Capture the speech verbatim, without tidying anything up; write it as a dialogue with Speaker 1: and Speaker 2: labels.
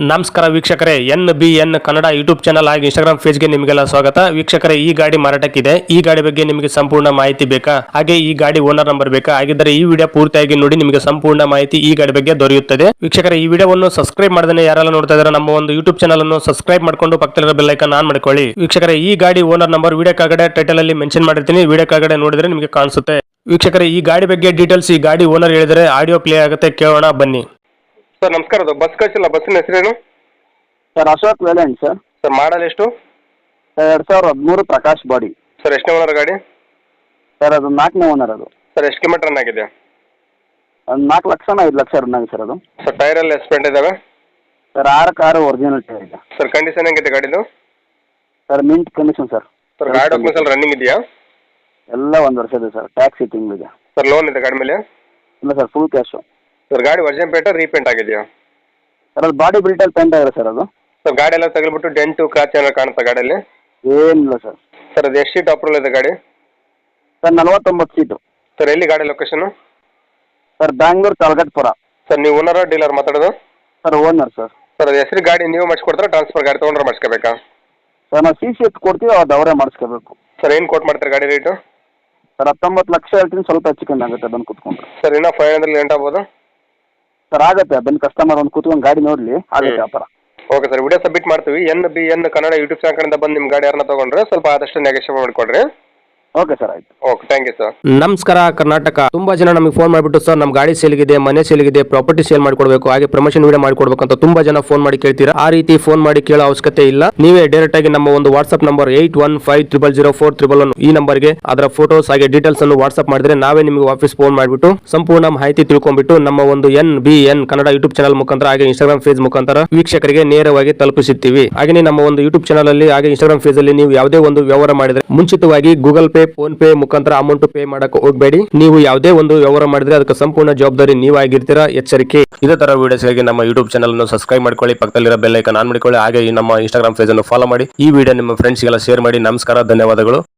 Speaker 1: ನಮಸ್ಕಾರ ವೀಕ್ಷಕರೇ, N B N Kannada YouTube channel ಹಾಗೂ ಇನ್ಸ್ಟಾಗ್ರಾಮ್ ಪೇಜ್ಗೆ ನಿಮಗೆಲ್ಲ ಸ್ವಾಗತ. ವೀಕ್ಷಕರೇ, ಈ ಗಾಡಿ ಮಾರಾಟಕ್ಕಿದೆ. ಈ ಗಾಡಿ ಬಗ್ಗೆ ನಿಮಗೆ ಸಂಪೂರ್ಣ ಮಾಹಿತಿ ಬೇಕಾ, ಹಾಗೆ ಈ ಗಾಡಿ ಓನರ್ ನಂಬರ್ ಬೇಕಾ? ಹಾಗಿದ್ದರೆ ಈ ವಿಡಿಯೋ ಪೂರ್ತಿಯಾಗಿ ನೋಡಿ, ನಿಮಗೆ ಸಂಪೂರ್ಣ ಮಾಹಿತಿ ಈ ಗಾಡಿ ಬಗ್ಗೆ ದೊರೆಯುತ್ತದೆ. ವೀಕ್ಷಕರೇ, ಈ ವಿಡಿಯೋವನ್ನು ಸಬ್ಸ್ಕ್ರೈಬ್ ಮಾಡದೇ ಯಾರೆಲ್ಲ ನೋಡ್ತಾ ಇದ್ದಾರೆ ನಮ್ಮ ಒಂದು ಯೂಟ್ಯೂಬ್ ಚಾನಲ್ ಅನ್ನು ಸಬ್ಸ್ಕ್ರೈಬ್ ಮಾಡ್ಕೊಂಡು ಪಕ್ಕದಲ್ಲಿರೋ ಬೆಲ್ ಐಕಾನ್ ಆನ್ ಮಾಡ್ಕೊಳ್ಳಿ. ವೀಕ್ಷಕರೇ, ಈ ಗಾಡಿ ಓನರ್ ನಂಬರ್ ವಿಡಿಯೋ ಕೆಳಗಡೆ ಟೈಟಲ್ ಅಲ್ಲಿ ಮೆನ್ಷನ್ ಮಾಡಿರ್ತೀನಿ, ವಿಡಿಯೋ ಕೆಳಗಡೆ ನೋಡಿದ್ರೆ ನಿಮಗೆ ಕಾಣಿಸುತ್ತೆ. ವೀಕ್ಷಕರೇ, ಈ ಗಾಡಿ ಬಗ್ಗೆ ಡೀಟೇಲ್ಸ್ ಈ ಗಾಡಿ ಓನರ್ ಹೇಳಿದರೆ ಆಡಿಯೋ ಪ್ಲೇ ಆಗುತ್ತೆ, ಕೇಳೋಣ ಬನ್ನಿ.
Speaker 2: ಸರ್ ನಮಸ್ಕಾರ. ಅದು ಬಸ್ ಕಳಿಸಿಲ್ಲ, ಬಸ್ಸಿನ ಹೆಸರೇನು
Speaker 3: ಸರ್? ಅಶೋಕ್ ವೇಲೆಂಟ್ ಸರ್.
Speaker 2: ಸರ್ ಮಾಡಲ್ ಎಷ್ಟು?
Speaker 3: ಸರ್ ಎರಡು ಸಾವಿರದ ಹದಿಮೂರು ಪ್ರಕಾಶ್ ಬಾಡಿ.
Speaker 2: ಸರ್ ಎಷ್ಟನೇ ಓನರ್ ಗಾಡಿ?
Speaker 3: ಸರ್ ಅದು ನಾಲ್ಕನೇ ಓನರ್. ಅದು
Speaker 2: ಸರ್ ಎಷ್ಟು ಕಿಲೋಮೀಟರ್ ರನ್ ಆಗಿದೆ?
Speaker 3: ಒಂದು ನಾಲ್ಕು ಲಕ್ಷನ ಐದು ಲಕ್ಷ ರನ್ ಆಗಿದೆ ಸರ್ ಅದು.
Speaker 2: ಸರ್ ಟೈರ್ ಎಲ್ಲ ಎಸ್ಪೆಂಟ್ ಇದಾವೆ?
Speaker 3: ಸರ್ ಆರು ಕಾರು ಒರಿಜಿನಲ್ ಟೈರ್ ಇದೆ.
Speaker 2: ಸರ್ ಕಂಡೀಷನ್ ಹೆಂಗಿದೆ ಗಾಡಿದು?
Speaker 3: Sir mint condition sir.
Speaker 2: Sir ಗಾಡಿ ಡಾಕ್ಯುಮೆಂಟ್ಸ್ ಎಲ್ಲ ರನ್ನಿಂಗ್ ಇದೆಯಾ?
Speaker 3: ಎಲ್ಲ ಒಂದು ವರ್ಷ ಇದೆ ಸರ್. ಟ್ಯಾಕ್ಸಿ ತಿಂಗಳಿದೆ.
Speaker 2: ಸರ್ ಲೋನ್ ಇದೆ ಗಾಡಿ ಮೇಲೆ?
Speaker 3: ಇಲ್ಲ ಸರ್, ಫುಲ್ ಕ್ಯಾಶು.
Speaker 2: ಸರ್ ಗಾಡಿ ಒರಿಜಿನಲ್ ಪೇಂಟ ರೀಪೇಂಟ್ ಆಗಿದೆಯಾ?
Speaker 3: ಸರ್ ಅದು ಬಾಡಿ ಬಿಲ್ಟಲ್ಲಿ ಪೇಂಟ್ ಆಗಿದೆ ಸರ್ ಅದು.
Speaker 2: ಸರ್ ಗಾಡಿ ಎಲ್ಲ ತಗಲ್ಬಿಟ್ಟು ಡೆಂಟು ಕ್ರಾಚ್ ಏನಾರು ಕಾಣುತ್ತಾ ಗಾಡಿಯಲ್ಲಿ?
Speaker 3: ಏನಿಲ್ಲ ಸರ್.
Speaker 2: ಸರ್ ಅದು ಎಷ್ಟು ಸೀಟ್ ಅಪ್ರೂವಲ್ ಇದೆ ಗಾಡಿ?
Speaker 3: ಸರ್ ನಲವತ್ತೊಂಬತ್ತು ಸೀಟು.
Speaker 2: ಸರ್ ಎಲ್ಲಿ ಗಾಡಿ location?
Speaker 3: Sir Bangalore Talghatpura.
Speaker 2: Sir ನೀವು ಓನರ್ ಡೀಲರ್ ಮಾತಾಡೋದು?
Speaker 3: Sir owner sir.
Speaker 2: ಸರ್ ಅದು ಹೆಸರು ಗಾಡಿ ನೀವು ಮಾಡಿಸ್ಕೊಡ್ತಾರೆ, ಟ್ರಾನ್ಸ್ಫರ್ ಗಾಡಿ ತೊಗೊಂಡ್ರೆ ಮಾಡಿಸ್ಕೋಬೇಕಾ?
Speaker 3: ಸರ್ ನಾವು ಸಿ ಸಿ ಎತ್ ಕೊಡ್ತೀವಿ, ಅದು ಅವರೇ ಮಾಡಿಸ್ಕೋಬೇಕು.
Speaker 2: ಸರ್ ಏನು ಕೋಟ್ ಮಾಡ್ತಾರೆ ಗಾಡಿ ರೇಟು?
Speaker 3: ಸರ್ ಹತ್ತೊಂಬತ್ತು ಲಕ್ಷ ಹೇಳ್ತೀನಿ, ಸ್ವಲ್ಪ ಹೆಚ್ಚು ಕಮ್ಮಿ ಆಗುತ್ತೆ ಬಂದು ಕೂತ್ಕೊಂಡ್ರೆ.
Speaker 2: ಸರ್ ಇನ್ನೂ ಫೈವ್ ಹಂಡ್ರೆಡ್ ಲೇಟ್ ಆಗ್ಬೋದು?
Speaker 3: ಸರ್ ಆಗುತ್ತೆ, ಬಂದು ಕಸ್ಟಮರ್ ಒಂದು ಕೂತ್ಕೊಂಡು ಗಾಡಿ ನೋಡಲಿ, ಆಗುತ್ತೆ ವ್ಯಾಪಾರ.
Speaker 2: ಓಕೆ ಸರ್, ವಿಡಿಯೋ ಸಬ್ಮಿಟ್ ಮಾಡ್ತೀವಿ. N B N Kannada YouTube channel ಕಡೆಯಿಂದ ಬಂದು ನಿಮ್ಮ ಗಾಡಿ ಯಾರನ್ನ ತೊಗೊಂಡ್ರೆ ಸ್ವಲ್ಪ ಆದಷ್ಟು ನೆಗೋಷಿಯೇಟ್ ಮಾಡಿಕೊಡ್ರಿ.
Speaker 3: ಓಕೆ ಸರ್, ಆಯ್ತು.
Speaker 2: Okay, thank you sir.
Speaker 1: ನಮಸ್ಕಾರ ಕರ್ನಾಟಕ. ತುಂಬಾ ಜನ ನಮಗೆ ಫೋನ್ ಮಾಡಿಬಿಟ್ಟು ಸರ್ ನಮ್ಮ ಗಾಡಿ ಸೇಲ್ಗಿದೆ, ಮನೆ ಸೇಲ್ಗಿದೆ, ಪ್ರಾಪರ್ಟಿ ಸೇಲ್ ಮಾಡ್ಕೊಡ್ಬೇಕು, ಹಾಗೆ ಪ್ರಮೋಷನ್ ವಿಡಿಯೋ ಮಾಡ್ಕೊಡ್ಬೇಕು ಅಂತ ತುಂಬಾ ಜನ ಫೋನ್ ಮಾಡಿ ಕೇಳ್ತೀರಾ. ಆ ರೀತಿ ಫೋನ್ ಮಾಡಿ ಕೇಳೋ ಅವಶ್ಯಕತೆ ಇಲ್ಲ. ನೀವೇ ಡೈರೆಕ್ಟ್ ಆಗಿ ನಮ್ಮ ಒಂದು WhatsApp number eight one five triple zero four triple one ಈ ನಂಬರ್ಗೆ ಅದರ ಫೋಟೋಸ್ ಹಾಗೆ ಡೀಟೇಲ್ಸ್ ಅನ್ನು ವಾಟ್ಸ್ಆಪ್ ಮಾಡಿದ್ರೆ ನಾವೇ ನಿಮಗೆ ವಾಪಸ್ ಫೋನ್ ಮಾಡಿಬಿಟ್ಟು ಸಂಪೂರ್ಣ ಮಾಹಿತಿ ತಿಳ್ಕೊಂಡ್ಬಿಟ್ಟು ನಮ್ಮ ಒಂದು N B N Kannada YouTube channel ಮುಖಾಂತರ ಹಾಗೆ ಇನ್ಸ್ಟಾಗ್ರಾಮ್ ಪೇಜ್ ಮುಖಾಂತರ ವೀಕ್ಷಕರಿಗೆ ನೇರವಾಗಿ ತಲುಪಿಸುತ್ತೀವಿ. ಹಾಗೆ ನಮ್ಮ ಒಂದು ಯೂಟ್ಯೂಬ್ ಚಾನಲ್ ಅಲ್ಲಿ ಹಾಗೆ ಇನ್ಸ್ಟಾಗ್ರಾಮ್ ಪೇಜ್ ಅಲ್ಲಿ ನೀವು ಯಾವುದೇ ಒಂದು ವ್ಯವಹಾರ ಮಾಡಿದ್ರೆ ಮುಂಚಿತವಾಗಿ ಗೂಗಲ್ ಪೇ, ಫೋನ್ ಪೇ ಮುಖಾಂತರ ಅಮೌಂಟ್ ಪೇ ಮಾಡಕ್ಕೆ ಹೋಗಬೇಡಿ. ನೀವು ಯಾವುದೇ ಒಂದು ವ್ಯವಹಾರ ಮಾಡಿದ್ರೆ ಅದಕ್ಕೆ ಸಂಪೂರ್ಣ ಜವಾಬ್ದಾರಿ ನೀವಾಗಿರ್ತೀರಾ, ಎಚ್ಚರಿಕೆ. ಇದೇ ತರ ವಿಡಿಯೋಸ್ಗಾಗಿ ನಮ್ಮ ಯೂಟ್ಯೂಬ್ ಚಾನಲ್ ಅನ್ನು ಸಬ್ಸ್ಕ್ರೈಬ್ ಮಾಡ್ಕೊಳ್ಳಿ, ಪಕ್ಕದಲ್ಲಿರೋ ಬೆಲ್ ಐಕಾನ್ ಆನ್ ಮಾಡಿಕೊಳ್ಳಿ, ಹಾಗೆ ನಮ್ಮ ಇನ್ಸ್ಟಾಗ್ರಾಮ್ ಪೇಜ್ ಅನ್ನು ಫಾಲೋ ಮಾಡಿ. ಈ ವಿಡಿಯೋ ನಿಮ್ಮ ಫ್ರೆಂಡ್ಸ್ಗೆಲ್ಲ ಶೇರ್ ಮಾಡಿ. ನಮಸ್ಕಾರ, ಧನ್ಯವಾದಗಳು.